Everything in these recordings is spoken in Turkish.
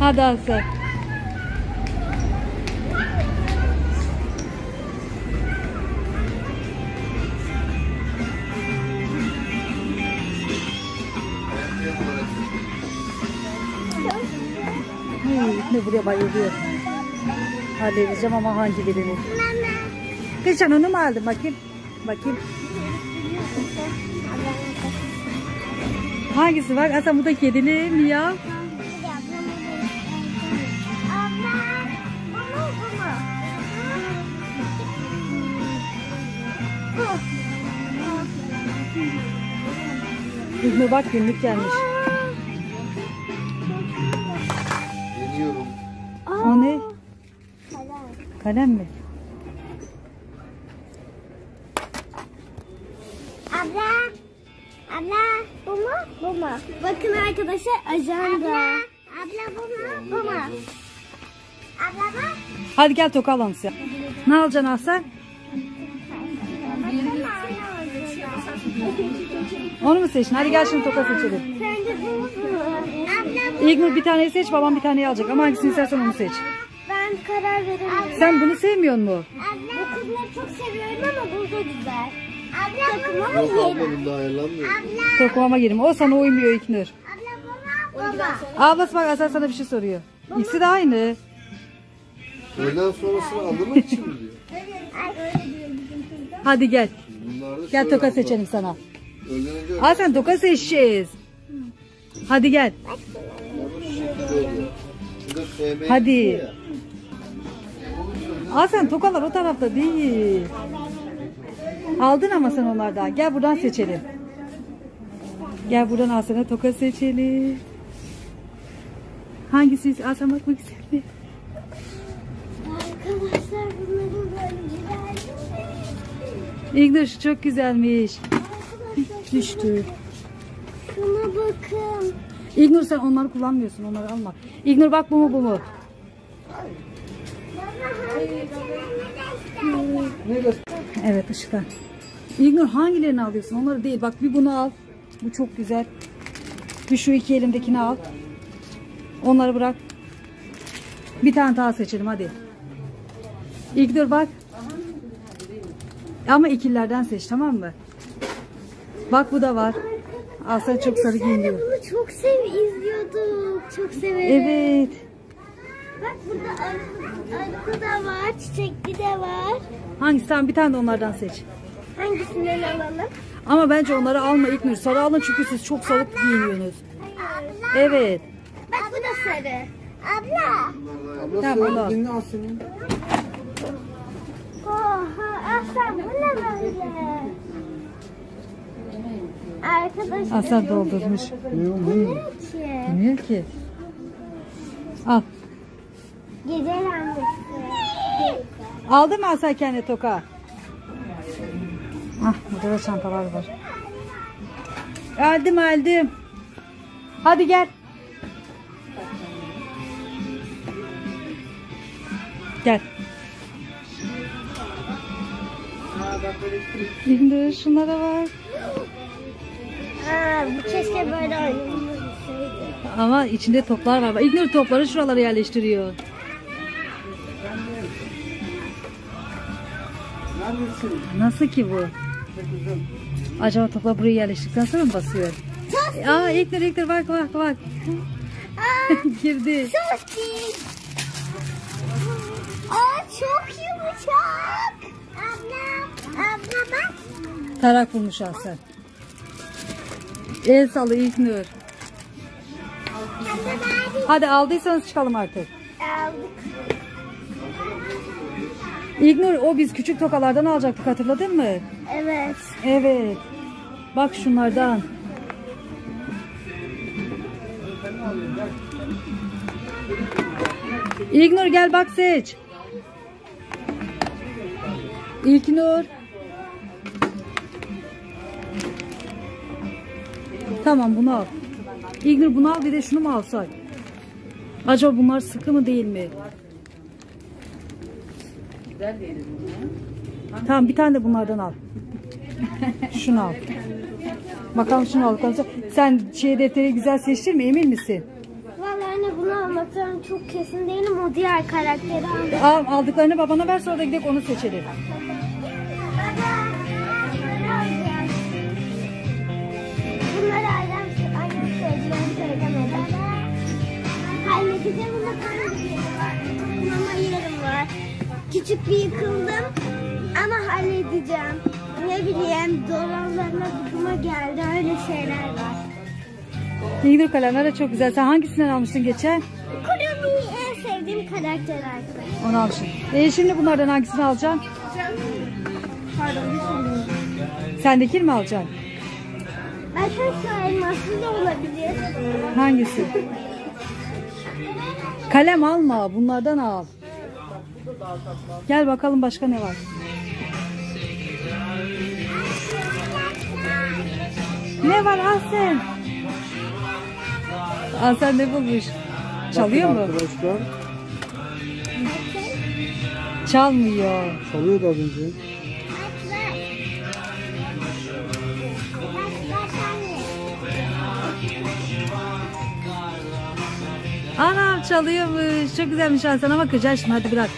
Hadi Asel. Ne buraya bayılıyor. Halledeceğim ama hangi birini? Geçen onu mu aldın? Bakayım. Bakayım. Hangisi var? Aslında bu da kedili mi ya? İlmi bak günlük gelmiş. Deniyorum. O ne? Kalem mi? Abla bu mu? Bu mu? Bakın arkadaşlar ajanda. Abla bu mu? Bu mu? Abla bak. Hadi gel toka alalım size. Ne alacaksın Asel? Onu mu seçtin? Hadi gel şimdi toka seçelim. Sence bu mu? Abla İlknur bir taneyi seç, babam bir taneyi alacak. Ama hangisini istersen onu seç. ben karar veremiyorum. Sen bunu sevmiyor musun? Bu kızları çok seviyorum ama bu da güzel. Abla takıma mı Yok yiyelim? ablanın daha ayarlanmıyor. Tokumama girim. O sana uymuyor İlknur. Abla baba. Ablası bak Asel sana bir şey soruyor. İkisi de aynı. Öğleden sonrasını anlamak için mi diyor? Hadi gel. Bunlar da Gel şöyle toka abla. seçelim sana. Öğleden önce Aa sen toka seçeceğiz. Hadi gel. Hadi. Aa sen tokalar o tarafta değil. Aldın ama sen onlardan. Gel buradan seçelim. Gel buradan al sana toka seçelim. Hangisi? Aa sen bak güzel mi? Arkadaşlar bunların böyle güzel. İlknur şu çok güzelmiş. Düştü. Şuna bakın. İlknur sen onları kullanmıyorsun. Onları alma. İlknur bak bu mu bu mu? Evet ışıklar. İlknur hangilerini alıyorsun? Onları değil. Bak bir bunu al. Bu çok güzel. Bir şu iki elimdekini al. Onları bırak. Bir tane daha seçelim hadi. İlknur bak. Ama ikililerden seç tamam mı? Bak bu da var. Aslan çok sarı giyiniyor. Bunu çok izliyorduk. Çok severim. Evet. Bak burada arıklı da var, çiçekli de var. Hangisi? Tamam bir tane de onlardan seç. Hangisinden alalım? Ama bence onları alma İlknur. Sarı alın çünkü siz çok sarı giyiniyorsunuz. Evet. Bak bu da sarı. Abla. Abla Tamam, söyle al. dinle al senin. Oha Aslan bu ne böyle? Arkadaşlar. Aslan doldurmuş. Bu ne ki? Bilmiyor ki. Al. Gece lambası. Aldın mı Aslan kendine toka? Ah burada da çantalar var. Aldım. Hadi gel. Gel. İndir şunlara var. Bu keşke böyle oynanmasaydı. Ama içinde toplar var. İgnur topları şuralara yerleştiriyor. Nasıl ki bu? Acaba toplar buraya yerleştikten sonra mı basıyor? Aa İgnur bak. Girdi. Çok iyi. Çok yumuşak. Abla bak. Tarak bulmuş Aslan. El salı İgnur. Hadi aldıysanız çıkalım artık. Aldık. İgnur o biz küçük tokalardan alacaktık hatırladın mı? Evet. Evet. Bak şunlardan. İlknur gel bak seç. İlknur. Tamam bunu al. İlknur bunu al bir de şunu mu alsak? Acaba bunlar sıkı mı değil mi? Tamam bir tane de bunlardan al. Şunu al. Bakalım şunu al. Sen defteri güzel seçtin mi emin misin? Vallahi anne bunu almak almaktan çok kesin değilim. O diğer karakteri almak. Aldıklarını babana ver, sonra da gidelim onu seçelim. Bunları annem söyleyeceğim söylemedi. Halledeceğim bunu ama yerim var. Küçük bir yıkıldım ama halledeceğim. Ne bileyim dolanlarına bıkıma geldi, öyle şeyler var. İlginç kalemler de çok güzel. Sen hangisinden almıştın geçen? Kurumi'yi en sevdiğim karakter arkadaşlar. Onu almışsın. Şimdi bunlardan hangisini alacaksın? Sendekini mi alacaksın? Arkadaşlar elmaslı da olabilir. Hangisi? Kalem alma. Bunlardan al. Gel bakalım başka ne var? Ne var Ahsen? Ahsen ne bulmuş? Çalıyor mu? Arkadaşlar. Çalmıyor. Çalıyordu az önce. Anam çalıyormuş. Çok güzelmiş Ahsen ama kıracaksın şimdi, hadi bırak.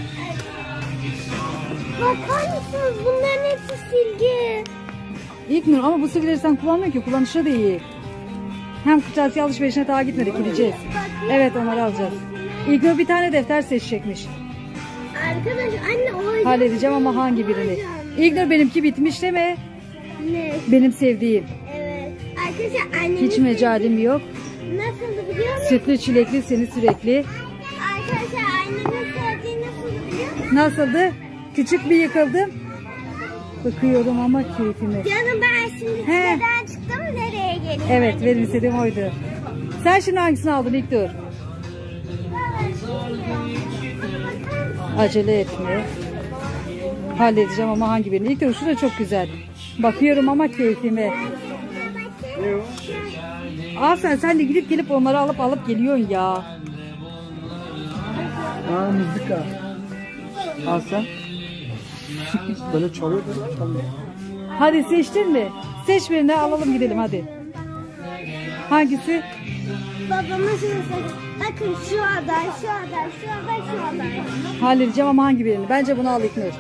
Bakar mısınız? Bunların hepsi silgi. İlknur ama bu silgileri sen kullanmıyorsun ki, kullanışlı değil. Hem kırtasiye alışverişine daha gitmedik, gideceğiz. Evet, onları alacağız. İlknur bir tane defter seçecekmiş. Arkadaş anne o Halledeceğim ama hangi birini? İlknur benimki bitmiş deme. Ne? Benim sevdiğim. Evet. Arkadaşlar annemin Hiç mecalim yok. nasıldı biliyor musun? Sütlü çilekli seni sürekli. Arkadaşlar annemin sevdiği nasıldı biliyor musun? Nasıldı? Küçük bir yıkıldım. Bakıyorum ama keyfime. Canım ben şimdi He. siteden çıktım, nereye geliyorum? Evet, benim istediğim oydu. Sen şimdi hangisini aldın İlknur? Acele etme. Halledeceğim ama hangi birini? İlknur şu da çok güzel. Bakıyorum ama keyfime. Sen de gidip gelip onları alıp geliyorsun ya. Aa, mızıka. Al sen. Böyle çalıyor da çalıyor. Hadi seçtin mi? Seç birini, alalım gidelim hadi. Hangisi? Babamın şimdi bakın şu aday, şu aday, şu aday, şu aday. Halledeceğim ama hangi birini? Bence bunu al İlknur.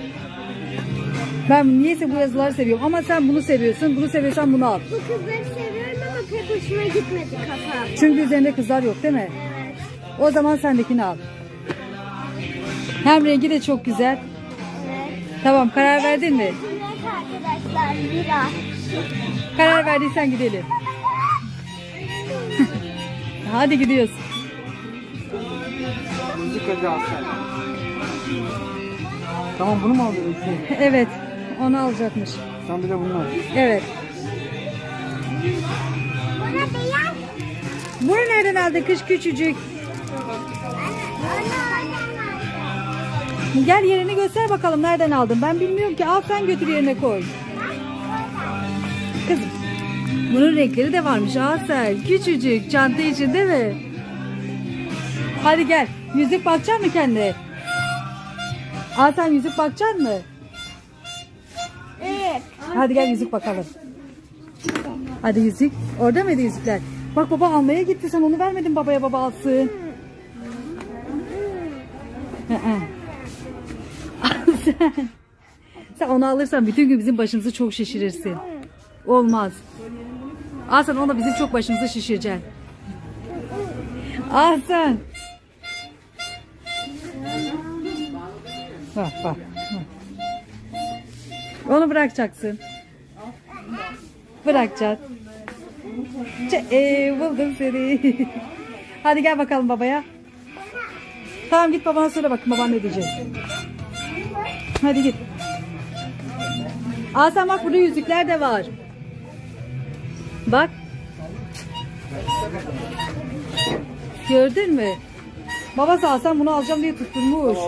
Ben niyeyse bu yazıları seviyorum ama sen bunu seviyorsun. Bunu seviyorsan bunu al. Bu kızları seviyorum ama pek hoşuma gitmedi kafam. Çünkü üzerinde kızlar yok değil mi? Evet. O zaman sendekini al. Hem rengi de çok güzel. Evet. Tamam, karar verdin mi? Evet arkadaşlar, bira. Karar verdiysen gidelim. Hadi gidiyoruz. Mızıkacı al sen. Tamam, bunu mu alıyorsun? Evet, onu alacakmış. Sen bir de bunu al. Evet. Buna beyaz. Bunu nereden aldın kız küçücük? Gel yerini göster bakalım, nereden aldın? Ben bilmiyorum ki. Al sen, götür yerine koy. Kızım, bunun renkleri de varmış. Al sen, küçücük çanta için değil mi? Hadi gel. Yüzük bakacak mı kendine? Al sen, yüzük bakacak mı? Evet. Hadi gel yüzük bakalım. Hadi yüzük. Orada mıydı yüzükler? Bak baba almaya gitti. Sen onu vermedin babaya, baba alsın. Sen onu alırsan bütün gün bizim başımızı çok şişirirsin. Olmaz. Sen ona bizim çok başımızı şişireceksin. Sen. Bak bak. Onu bırakacaksın. Bırakacaksın. Buldum seni. Hadi gel bakalım babaya. Tamam, git babana söyle bakın baban ne diyecek. Hadi git. Sen bak, burada yüzükler de var. Bak. Gördün mü? Babası sen bunu alacağım diye tutturmuş.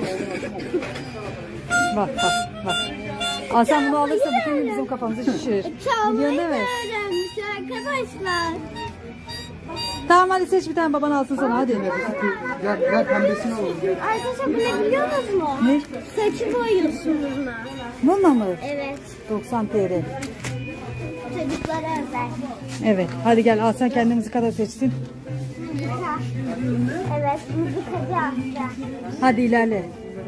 Bak bak bak. Sen bunu alırsa bütün gün bizim kafamızı şişirir. Çalmayı Biliyorsun değil mi? öğrenmiş arkadaşlar. Tamam, hadi seç bir tane, baban alsın sana, hadi. Gel pembesini alalım. Gel. Arkadaşlar bu ne biliyor musunuz? Ne? Saçı boyuyorsunuz bununla. Bununla mı? Evet. 90 TL. Çocuklara özel. Evet, hadi gel, sen kendimizi kadar seçsin. Harika. Evet, mızıkacı amca. Hadi ilerle.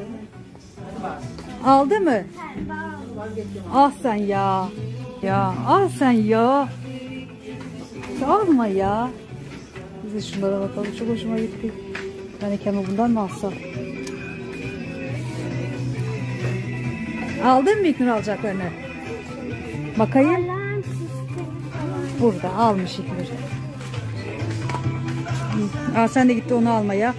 Aldı mı? Ah sen ya. Ya ah sen ya. Alma ya. Biz de şunlara bakalım. Çok hoşuma gitti. Ben Kemal bundan mı alsam? Aldın mı İlknur alacaklarını? Bakayım. Alarm sistemi falan. Burada almış İlknur. Aa, sen de gitti onu almaya.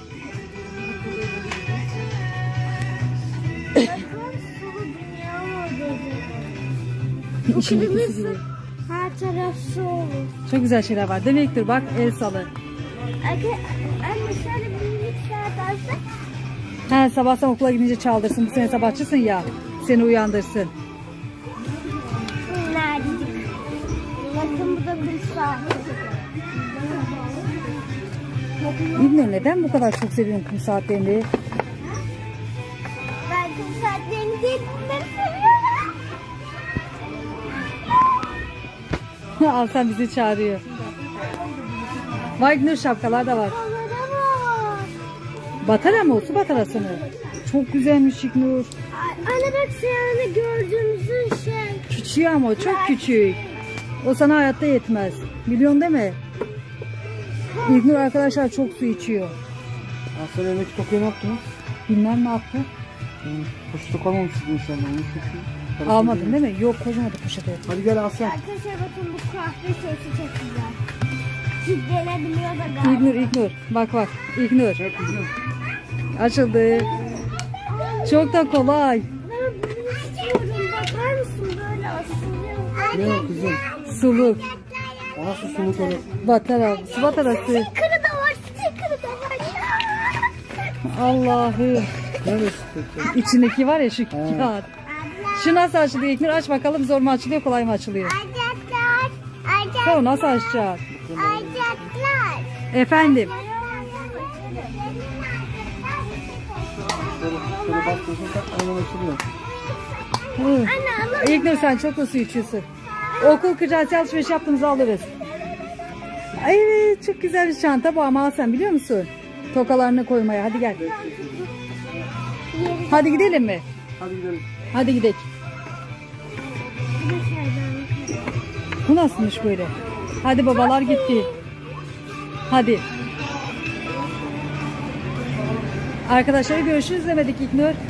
Bakın sulu dünya modeli. Bu İşin ikisi kırmızı. gibi. Her taraf su olur. Çok güzel şeyler var. Değil mi İlknur? Bak el salı. Anne şöyle bir minik saat alsak. Ha, sabah sen okula gidince çaldırsın. Bu sene sabahçısın ya. Seni uyandırsın. Nerede? Bakın bu da kum saati. İlknur neden bu kadar çok seviyorsun kum saatlerini? Ben kum saatlerini değil bunları seviyorum. Al sen bizi çağırıyor. Vay İlknur şapkalar da var. Onlara bak. Batara mı o? Su batarası mı? Çok güzelmiş İlknur. Anne bak seyahane gördüğümüzün şey. Küçük ama o çok küçük. O sana hayatta yetmez. Biliyorsun değil mi? İlknur arkadaşlar çok su içiyor. Sen elindeki tokuyu ne yaptınız? Bilmem ne yaptı. Poşete koymamışsınız inşallah. Onu çünkü. Almadın değil mi? Yok koymadı poşete. Hadi gel Aslan. Arkadaşlar bakın bu kahve sesi çok güzel. Kilitlenebiliyor da galiba. İlknur. Bak bak. İlknur. Gel kızım. Açıldı. Çok da kolay. Ben bunu istiyorum. Bakar mısın böyle asılıyor. Ne o kızım? Suluk. O nasıl suluk olur? Batara. Su batarası. Sticker'ı da var. Sticker'ı da var. Allah'ım. Neresi peki? İçindeki var ya şu kağıt. Şu nasıl açılıyor İlknur? Aç bakalım, zor mu açılıyor, kolay mı açılıyor? Ayacaklar. Tamam, nasıl açacağız? Ayacaklar. Efendim. Şöyle bastırırsan tak hemen açılıyor. Hı. Anne alalım. İlknur sen çok da su içiyorsun. Okul kırtasiye alışveriş yaptığımızda alırız. Evet, çok güzel bir çanta bu ama al sen biliyor musun? Tokalarını koymaya. Hadi gel. Hadi gidelim mi? Hadi gidelim. Hadi gidelim. Bu nasılmış böyle? Hadi babalar gitti. Hadi. Arkadaşlar görüşürüz demedik İlknur.